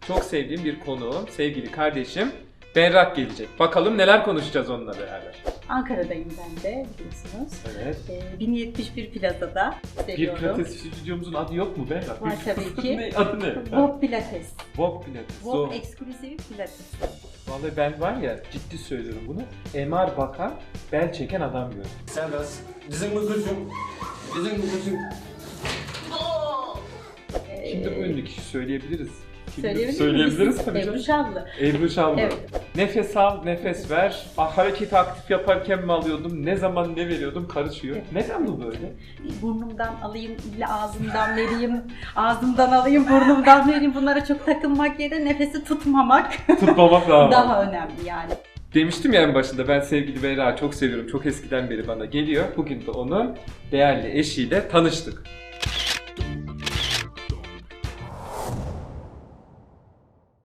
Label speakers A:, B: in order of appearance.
A: çok sevdiğim bir konuğum, sevgili kardeşim Berrak gelecek. Bakalım neler konuşacağız onunla beraber.
B: Ankara'dayım ben de biliyorsunuz.
A: Evet.
B: 1071 Plaza'da
A: Bir
B: seviyorum.
A: pilates stüdyomuzun adı yok mu Berrak?
B: Var tabii ki.
A: Adı ne?
B: Bob Pilates.
A: Bob Pilates.
B: Bob Exclusive Pilates.
A: Vallahi ben var ya, ciddi söylüyorum bunu. MR bakan, bel çeken adam gördüm.
C: Serbest. Dizin bükülsün. Dizin bükülsün.
A: Kimdir bu ünlü kişi, söyleyebiliriz. Kimdir?
B: Söyleyebilir miyiz?
A: tabii canım.
B: Ebru Şallı.
A: Ebru Şallı.
B: Evet.
A: Nefes al, nefes ver. Hareketi aktif yaparken mi alıyordum, ne zaman ne veriyordum karışıyor.
B: Evet.
A: Neden bu böyle?
B: Burnumdan alayım, illa ağzımdan vereyim, ağzımdan alayım, burnumdan vereyim. Bunlara çok takılmak yerine nefesi tutmamak
A: Tutmamak lazım.
B: daha önemli yani.
A: Demiştim ya en başında, ben sevgili Berrak'ı çok seviyorum. Çok eskiden beri bana geliyor. Bugün de onun değerli eşiyle tanıştık.